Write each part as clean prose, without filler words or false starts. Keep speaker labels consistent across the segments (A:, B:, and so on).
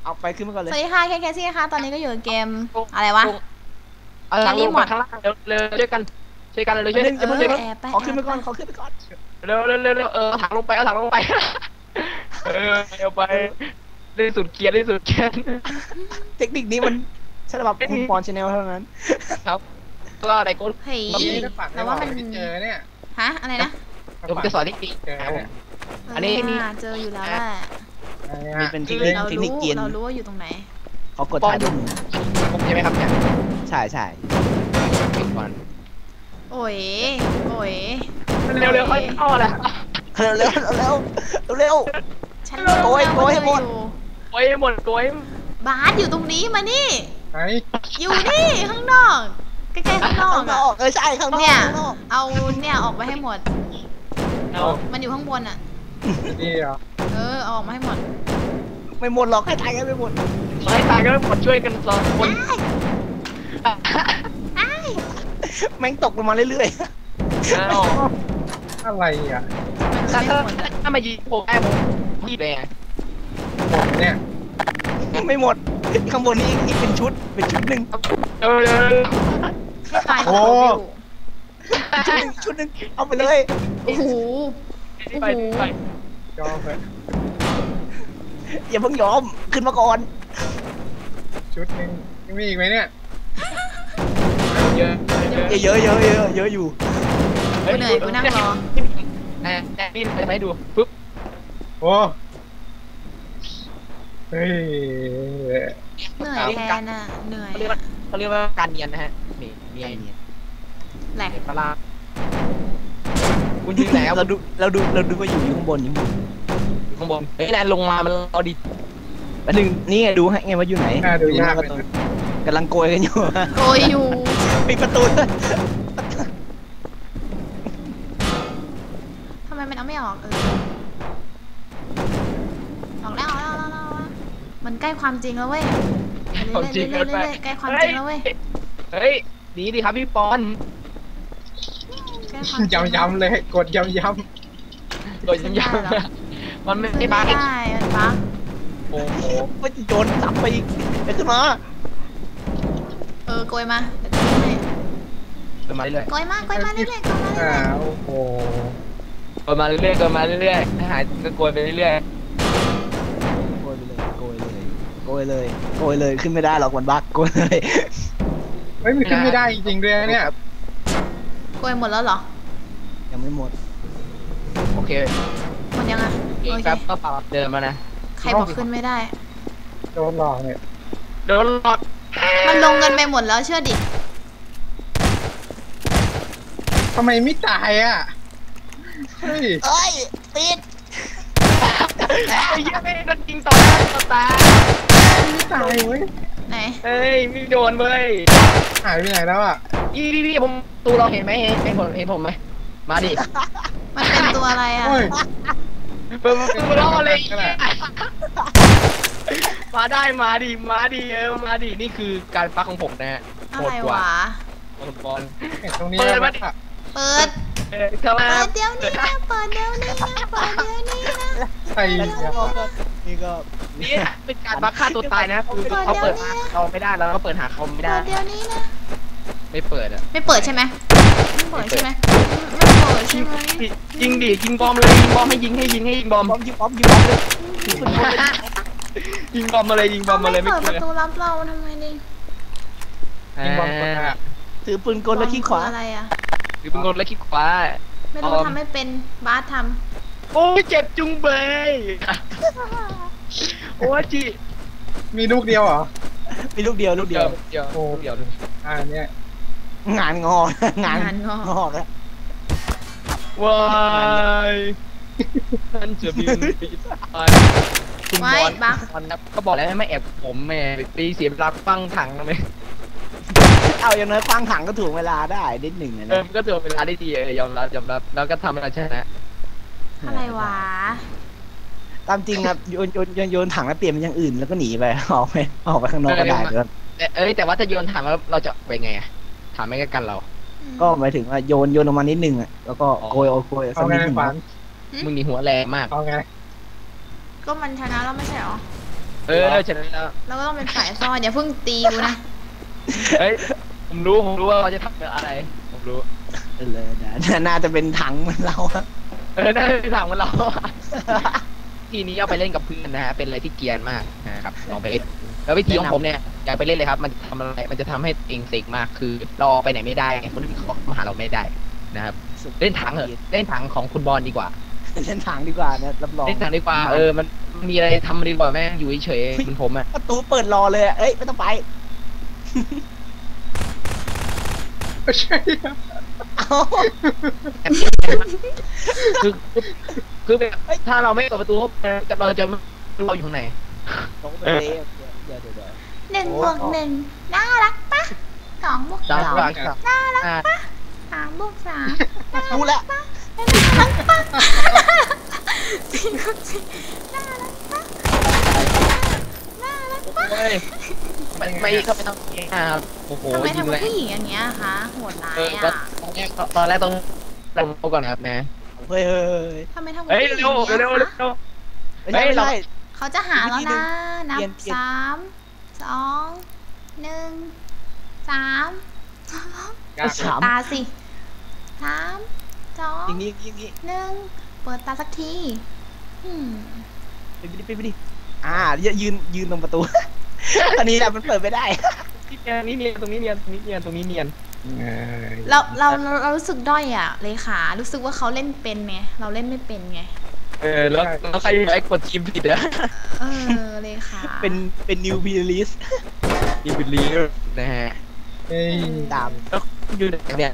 A: เอาไปขึ้นมาก่อนเลย
B: สวัสดีค่ะแคซี่ค่ะตอนนี้ก็อยู่เกมอะไรวะ
C: หลังลงมาข้างล่างเร็วช่วยกันเลยช่วย
A: ขอขึ้นไปก่อน
C: เร็วถังลงไปเอาถังลงไปเอาไปได้สุดเกียร์
A: เทคนิคนี้มันสำหรับคุณปอนชาแนลเท่านั้น
C: ครับก็อะไรก้น
B: เฮ้ยแต่ว่ามัน
D: เจอเนี่ย
B: ฮะอะไรนะ
C: ผมจะสอนเทคนิคอันนี้
B: เจออยู่แล้วแหละ
A: นี่เป็นเทคนิคเกียร์
B: เรารู้ว่าอยู่ตรงไหน
A: เขากดถ่ายรูป
C: ผมใช่ไหมครับเนี่ย
A: ใช่
C: ปิดก่อน
B: โอ้ย
C: เร็วค่อยเข้าแหละ
A: เร็ว
B: ฉัน
A: โกยให้หมด
B: บาสอยู่ตรงนี้มานี่อยู่นี่ข้างนอกใกล้ๆข้างนอก
A: ใช่ข้างนอก
B: เนี่ยเอาเนี่ยออกไปให้หมดมันอยู่ข้างบนอ่ะ
D: นี่เหรอ
B: เอาออกมาให้หมด
A: ไม่หมดหรอกให้ตายกันไม่หมด
C: ช่วยกันสองคน
A: แม่งตกลงมาเรื่อย
D: ๆอะไรอ่ะ
C: ถ้ามายิงผมได้ผมพี่เลย
D: เนี่ย
A: ไม่หมดข้างบนนี้อีกเป็นชุดหนึ่ง
B: ให้ตาย
A: ชุดหนึ่งเอาไปเลย
B: โอ้โห
D: ยอมไป
A: อย่าเพิ่งยอมขึ้นมาก่อน
D: ชุดนึงมีอีกไหมเนี่ย
A: เยอะอยู่
B: เหนื่อยกูนั่งรอ
C: นี่ไปไหมดูปึ๊บ
D: โอ้เฮ้ย
B: เหนื่อยแทนอ่ะเหนื่อย
C: เขาเรียกว่าการเนียนนะฮะนี่เนียน
B: แหลก
C: ปลาคุณยืนไหน
A: เราดูว่าอยู่ข้างบน
C: เฮ้ยแลนลงมามันรอดิ
A: อันหนึ่งนี่ดูให้ไงว่าอยู่ไหน
D: ดูยาก
A: กำลังโกยกันอยู่ปิดประตู
B: ทำไมมันเอาไม่ออกออกแล้วมันใกล้ความจริงแล้วเว้ยใกล้ความจริงแล้วเว้ย
C: เฮ้ยดีดิครับพี่ปอน
D: ย้ำเลยกดย้ำ
C: มันไม่บั๊ก
B: มันบั๊ก
C: โอ้โห
A: ไม่โดนจับไปอีกไปขึ้นมา
B: โกยมา
C: มาเรื่อย
B: โกยมาเรื่อย
D: โอ้โห
C: โกยมาเรื่อยถ้าหายก็โกยไปเรื่อย
A: โกยเลยขึ้นไม่ได้หรอกมันบั๊กโกยเลย
D: ไม่มีขึ้นไม่ได้จริงๆด้วยเนี่ย
B: โกยหมดแล้วเหรอ
A: ยังไม่หมด
C: โอเค
B: หมดยัง
C: ครับก็ปรับเดิมมานะ
B: ใครบอกขึ้นไม่ได้
D: โดนหลอกเนี่ย
B: มันลงเงินไปหมดแล้วเชื่อดิ
D: ทำไมไม่ตายอ่ะ
A: เฮ้ยปิด
C: ไอ้ยังไม่โดนยิงต่อหน้าต่อตา
D: ไม่ตายเว้ย
B: ไหน
C: เฮ้ยไม่โดนเว้ย
D: หายไปไหนแล้วอ่ะ
C: พี่ผมตูเราเห็นไหมเห็นผมไหมมาดิ
B: มันเป็นตัวอะไรอ่ะ
C: เปิดรอเลยมาดิมาดินี่คือการฟักของผมนะฮะ
B: โหดกว่า
C: บอล
D: ตรงนี้
B: เปิดเดี๋ยวนี้นะ
D: ใคร
A: นี่ก็
C: นี่เป็นการบักฆ่าตัวตายนะคือเขาเปิดหาเขาไม่ได้แล้วก็เปิดหาเขาไม่ได้
B: เดี๋ยวนี้นะ
C: ไม่เปิดอ่ะ
B: ไม่เปิดใช่ไหม
C: ยิงดิยิงบอมเลยยิงบอมให้ยิงบอม
A: เลยยิงบอม
C: มาเลย
B: ไม่เปิดประตูรับเราทำไมดิ
D: ยิงบอมกด
A: ถือปืนกลแล้วขี้ขวา
B: อะไรอ่ะ
C: ถือปืนกลแล้วขี้ขวา
B: ไม่รู้ทำไม่เป็นบาสท
C: ำโอ้ยเจ็บจุงเบยโอ้ยจี
D: มีลูกเดียวเหรอ
A: มีลูกเดียว
D: เนี่ย
A: งานงอแล้ว
C: ว้ายท่านจะบินคุณบอลครับก็บอกแล้วไม่แอบผมแม่ปีเสียบรักฟังถังนะไหม
A: เอาอย่างน้อยฟังถังก็ถูกเวลาได้นิดหนึ่งนะ
C: ก็ถูกเวลาได้ดียอมรับแล้วก็ทำอะไรชนะ
B: อะไรวะ
A: ตามจริงครับโยนถังแล้วเปลี่ยนเป็นอย่างอื่นแล้วก็หนีไปออกไปข้างนอกก็ได้
C: แต่ว่าถ้าโยนถังแล้วเราจะไปไงถามไม่กันเรา
A: ก็หมายถึงว่าโยนลงมานิดนึงอ่ะแล้วก็โกย
D: สักนิดนึง
C: มึงนี่หัวแรงมาก
D: เอาไง
B: ก็มันชนะแล้วไม่ใช่หรอ
C: ชนะแล้ว
B: เราก็ต้องเป็นฝ่ายซ่อนอย่าเพิ่งตีกูนะ
C: เฮ้ยผมรู้ว่าเขาจะทำอะไรผมรู้
A: เลยนะน่าจะเป็นถังเหมือนเราอะ
C: น่าจะถามกันเราทีนี้เอาไปเล่นกับเพื่อนนะฮะเป็นอะไรที่เกรียนมากนะครับลองไปเล่นแล้ววิธีของผมเนี่ยอยากไปเล่นเลยครับมันทำอะไรมันจะทำให้เองเสกมากคือเราออกไปไหนไม่ได้คนอื่นเขามาหาเราไม่ได้นะครับเล่นถังเหรอเล่นถังของคุณบอลดีกว่า
A: เล่นถังดีกว่านะรับรอง
C: เล่นถังดีกว่ามันมีอะไรทำดีกว่าแม่งอยู่เฉยๆเหมือนผมอ่ะ
A: ประตูเปิดรอเลยอะเอ้ยไม่ต้องไป
D: ไม่ใช่
A: เอ้า
C: คือแบบถ้าเราไม่เปิดประตูเข้าไปเราจะเราอยู่ข้างใน
A: ลงไปเลยเดี๋ยว
B: 1 บวก 1น่ารักปะ2 บวก
C: ดาว
B: 2
C: กลางครับ
B: น่ารักปะ3 บวก 3
A: รู้แล้ว
B: 4 บวก 4น่ารักปะน่ารักปะ
C: เฮ้ยไม่ก็ไม่ต้องครับโอ้โห
B: ทำไม
C: ยิง
B: ทำ
C: เล
B: กับ
C: ย
B: ผู้หญิงอย่างเงี้ยคะโหดร้าย
C: ก็
B: อ่ะ
C: ตอนแรกต้องเอาก่อนครับนะ
A: เฮ้ย
B: ทำไมทำกับ
C: เฮ้ย
B: ผู้หญิงอย่าง
C: เร็ว
B: เงี้ยคะ
A: ไม่ใช่ไม่ใช่
B: เขาจะหาแล้วนะ นับ
A: เปลี่ยน
B: 3 2 1 3
A: สาม
B: ตาสิ3
A: อย่าง
B: 2
A: นี้อย่างนี้
B: 1เปิดตาสักทีอืม
A: ไปดิยืนตรงประตู อันนี้แหละมันเปิดไม่ได้
C: นี่เนียนตรงนี้เนียนตรงนี้เนียนตรงนี้เนียน
B: เรารู้สึกด้อยอ่ะเลขารู้สึกว่าเขาเล่นเป็นไงเราเล่นไม่เป็นไง
C: แล้วใครไอ้กดทีมผิดอะ
B: เลขา
A: เป็นนิวบีลิส
C: ทีมผิดลีนะฮะ
D: เฮ้ย
A: ตาม
C: แล้วอยู่ไหนเนี่ย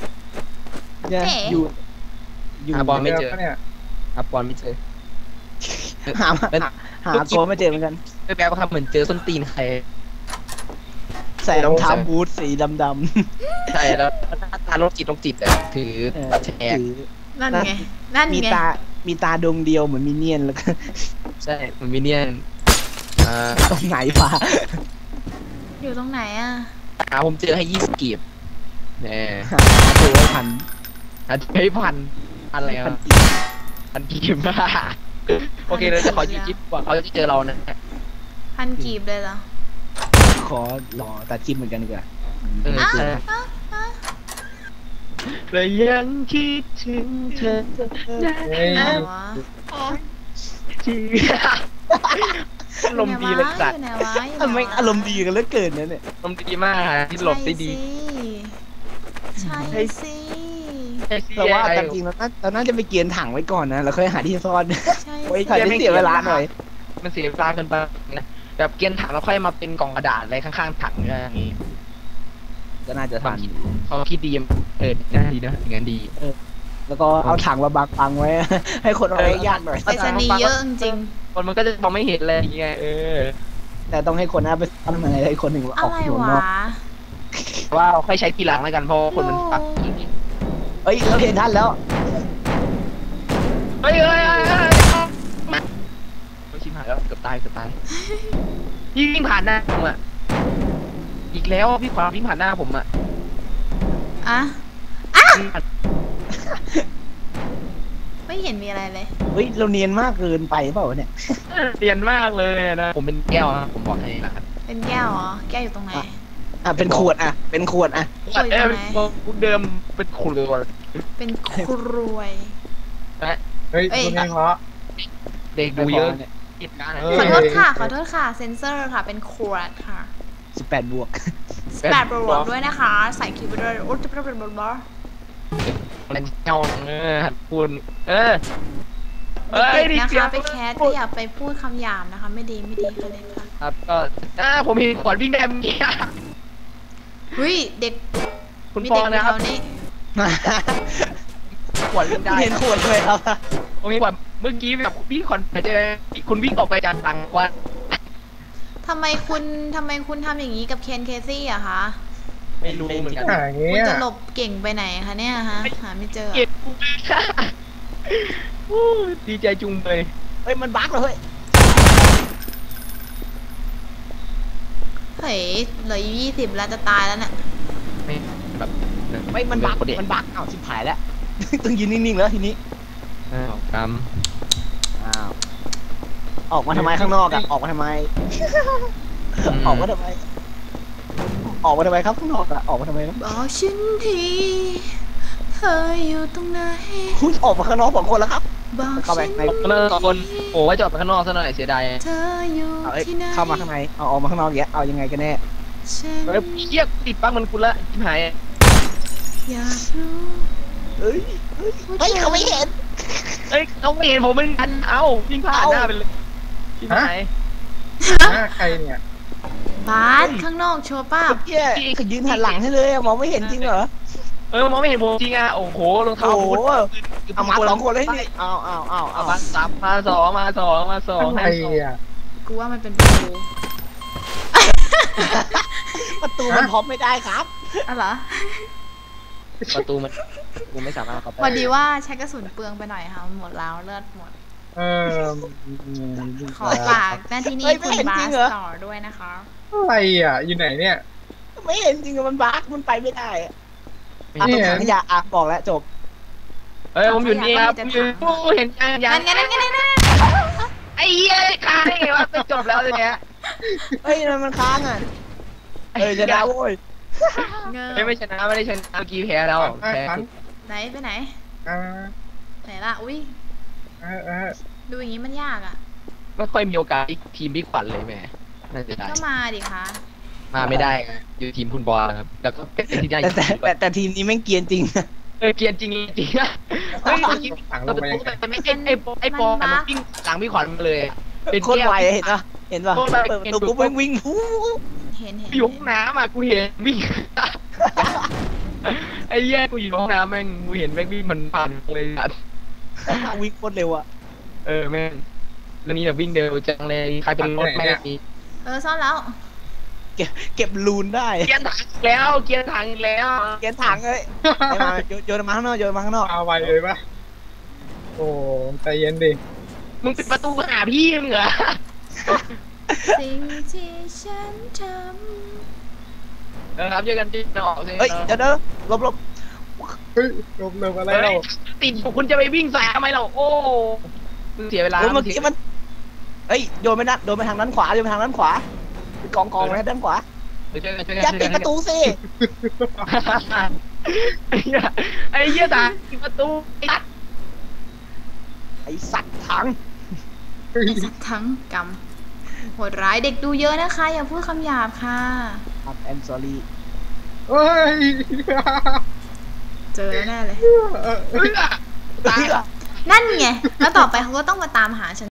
A: อยู่
C: หาบอลไม่เจอ
D: เนี่ย
C: ครับบอลไม่เจอ
A: หาโกไม่เจอเหมือนกัน
C: แปลว่าครับเหมือนเจอส้นตีนใคร
A: ใส่รองเท้าบูทสีดำ
C: ใช่แล้วหน้าตาโรคจิตอะถือ
A: ๆ
C: แฉก
A: ถือ
B: นั่นไงนั่น
A: มี
B: ไง
A: มีตาดวงเดียวเหมือนมินเนี่ยนแล้วก็
C: ใช่มันมิเนียน
A: ตรงไหนวะ
B: อยู่ตรงไหนอ่ะ
C: ผมเจอให้20 กีบเนี่ย
A: หาตัวไว้พัน
C: ให้พันอะไร
A: พัน
C: พันกีบบ้าโอเคเราจะขอ20 กีบกว่าเขาจะเจอเรานะ
B: พันกีบเลยเหรอ
A: ขอรอตัดคลิปเหมือนกันดีกว่า
B: อ้าว
C: ใช่
B: อ้าวอ้าว
C: เลยยังคิดถึงเธอ
D: เฮ้ย
B: อะไรวะ
C: ชีอารมณ์ดีเลยสัต
B: อ
C: ว์
B: ยู่ไหนวะอยู่ไหนวะ
A: ทำไมอารมณ์ดีกันเหลือเกินนะเนี่ย
C: อารมณ์ดีมากที่หลบได้ดี
B: ใช่สิ
A: แต่ว่าตามจริงเราน่าจะไปเกียนถังไว้ก่อนนะแล้วค่อยหาที่ซ่อน
B: ใช่
A: ไว้
B: สิ
A: ก่อนจะเสียเวลาหน่อย
C: มันเสียเวลาเกินไปนะแบบเกียนถังแล้วค่อยมาเป็นกล่องกระดาษอะไรข้างๆถังอย่างงี้
A: ก็น่าจะทัน
C: เขาคิดดีน่าดีนะอย่างนั้นดี
A: แล้วก็เอาถังมาบังไว้ ให้คนเอาไว้ยากหน่อย
B: ไปสนีย์เยอะจริง
C: คนมันก็จะมองไม่เห็นอะไรอย่างเงี้ย
A: แต่ต้องให้คนเอาไปซ่อนมาให้คนหนึ่ง
B: ๆ
A: อ
B: อะ
A: อก
B: ไร
A: หนุน
B: วะ
A: นอก
C: ว่าค่อยใช้ทีหลังแล้วกันเพราะคนมันปัก
A: เอ้ยเราเห็นท่านแล้ว
C: เฮ้ยชิมหายแล้วเกือบตายวิ่งผ่านหน้าผมอ่ะอีกแล้วพี่ขวาวิ่งผ่านหน้าผมอ่ะ
B: อ่ะไม่เห็นมีอะไรเลย
A: เฮ้ยเราเนียนมากเกินไปเปล่าวะเนี่ย
C: เรียนมากเลยนะผมเป็นแก้วนะผมบอกให้นะครับ
B: เป็นแก้วเหรอแก้วอยู่ตรงไหน
A: เป็นขวดเป็นขวด
C: พูดเดิมเป็นขุนเลยว่ะ
B: เป็นครวย
D: เฮ้ยคุณเองเหรอ
C: เด็กดูเยอะติดการ
B: ขอโทษค่ะขอโทษค่ะเซนเซอร์ค่ะเป็นขวดค่ะ
A: 18 บวก
B: 8โปรโมทด้วยนะคะ ใส่คิวไปด้วยโอ้จะเป็นบอล
C: เป็นเจ้าหัดพูด
B: เด็กๆนะคะไปแคสก็อย่าไปพูดคำหยาบนะคะ ไม่ดีค่ะเลยค่ะ
C: ครับก็ผมมีขวดวิ่งได้เมื่อกี้
B: เฮ้ยเด็ก
C: คุณ
B: มี
C: ปอ
B: เด็กอยู่
C: นะค
B: แถ
C: รับ
B: วนี้
C: ขวดวิ่งได้
A: เห็นขวดเลยครับ
C: ผมมีขวดเมื่อกี้แบบพี่ขวัญเจอคุณวิ่งออกไปจากตังควัน
B: ทำไมคุณทำอย่างนี้กับเคนเคซี่อะคะ
C: ไม่รู้เหมือนกัน
D: หาอย่างเงี้
B: คุณ
D: ย
B: จะหลบเก่งไปไหนคะเนี่ยฮะหาไม่เจอ
C: เกลียดกูมากค่ะดีใจจุงเลย
A: เฮ้ยมันบั๊กเลย
B: เฮ้ยเหลืออยู่20แล้วจะตายแล้วเนี่ย
C: ไม่แบบ
A: ไม่มันบั๊กอ้าวชิบหายแล้ว ต้องยืนนิ่งๆแล้วทีนี้
C: กรรม
A: อ้าวออกมาทำไมข้างนอกอะออกมาทำไม ออกมาทำไม ออกมาทำไมครับข้างนอกอะออกมาทำไมครับ
B: บอกฉันทีเธออยู่ตรงไหน
A: คุณออกมาข้างนอก2 คนแล้วครับ
B: บอก
A: เข้าไป
B: ฉัน
A: ใน
C: ข้างนอกสองคนโอ้ว่าจอดไปข้างนอกซะหน่อยเสียดาย
B: เธออยู่
A: เอาเอ้ย
B: ที่ไหน
A: เข้ามาข้างในเอาออกมาข้างนอกอย่างเงี้ยเอายังไงกันแน่
B: ฉัน
C: เฮ้ยเฮียติดปักมันกูละชิบหาย
B: อยากรู้
A: เฮ้ยเฮ้ยเขาไม่เห็น
C: เอ้ยเขาไม่เห็นผมเหมือนกันเอ้าวิ่งผ่านหน้าไปเลยชิบหาย
D: หน้าใครเนี่ย
B: บาสข้างนอกชัวร์ป้า
A: เกี้ยเขายืนหันหลังให้เลยอะมองไม่เห็นจริงเหรอ
C: มองไม่เห็นผมจริงอ่ะโอ้โหรองเท้า
A: โอ้โห
C: ผม
A: เอามา2 คนเลยนี่เอา
C: เอามาสามมาสองมาสองมาสอง
D: ใคร
C: ให้สอง
D: อ่ะ
B: กูว่ามันเป็นประตู
A: ประตูมันพร้อมไม่ได้ครับ
B: อะเหรอ
C: ประตูมันกูไม่สามารถเข้าไป
B: พอดีว่าใช้กระสุนเปลืองไปหน่อยค่ะหมดแล้วเลือดหมด
D: เออ
B: ขอฝากหน้าที่นี้คุณบาสต่อด้วยนะคะ
D: อะไรอ่ะอยู่ไหนเนี่ย
A: ไม่เห็นจริงอะมันบั๊กมันไปไม่ได้อะ
D: ไม่
A: ตรง
D: เห็น
A: ถังขยะอ่ะบอกแล้วจบ
C: เฮ้ยผมอยู่นี่ครับผมอยู่โอ้เห็นยังยัง
B: นั่นไง
C: ไอ้เหี้ยใครวะไปจบแล้วเลยเนี่ย
A: เฮ้ยมันค้างอ่ะจะได้โว้ย
B: เงอ
C: ไม่ชนะไม่ได้ชนะเมื่อกี้แพ้แล้วแพ้
B: ไหนไปไหน
D: อ่า
B: ไหนล่ะ อุ้ย
D: เออ
B: ดูอย่างนี้มันยากอ่ะ
C: ไม่ค่อยมีโอกาสทีมพี่ขวัญเลยแม่น่าจะได้
B: ก็มาดิคะ
C: มาไม่ได้อยู่ทีมคุณบอลครับแล้วก็เป็นที่ได้
A: แต่ทีมนี้แม่งเกรียนจริง
C: เกรียนจริงจริงนะเฮ้ยเมื่อกี้
D: ถังล
C: เรา
D: ง
C: เป็น
D: ไป
C: ตัวแต่ไม่ใช่ไอ้ปอมันวิ่งหลังพี่ขวัญมาเลยเป็น
A: โคตรไวเห็นปะเห็นปะเปิดประตูปุ๊บแม่งวิ่งฟู
B: เห็น
C: อยู่ห้องน้ำอ่ะกูเห็นวิ่งไอ้แย่กูอยู่ห้องน้ำแม่งกูเห็นแม่งวิ่งมันผ่านเลยอ่ะ
A: วิ่งโคตรเร็วอ่ะ
C: แม่งแล้วนี่แบบวิ่งเร็วจังเลยใครเป็นรถแม่งมี
B: ซ่อนแล้ว
A: เก็บลูนได้
C: เกียร์ถังแล้วเกียร์ถังแล้ว
A: เกียนถังเลยมาโยนมาข้างนอกโยนมาข้างนอก
D: เอาไวเลยปะโอ้ใจเย็นดิ
C: มึงปิดประตูหาพี่มึงเหรอ
B: สิ่งที่ฉันท
C: ครับเจอกันที่นอก
A: เฮ้ยเดี๋ยวลบ
D: เฮ้ยลบอะไรเรา
C: ติดคุณจะไปวิ่งสายทำไมเราโอ้มึงเสียเวลา
A: เมื่อกี้มันเฮ้ยโยนไปทางด้านขวาโยนไปทางด้านขวากองไว้ด้านขวา
C: ช่วยกันช่วย
A: อย่า
C: กัน
A: ปิดประตูสิ
C: ไอ้เหี้ยตาปิดประตู
A: ไอสัตว์ถัง
B: ำสักทั้งกรรมโหดร้ายเด็กดูเยอะนะคะ อย่าพูดคำหยาบค่ะ
A: I'm sorry
D: เฮ้ย
B: เจอแล้วแน่เลย
C: ตาย
B: นั่นไง แล้วต่อไปเขาก็ต้องมาตามหาฉัน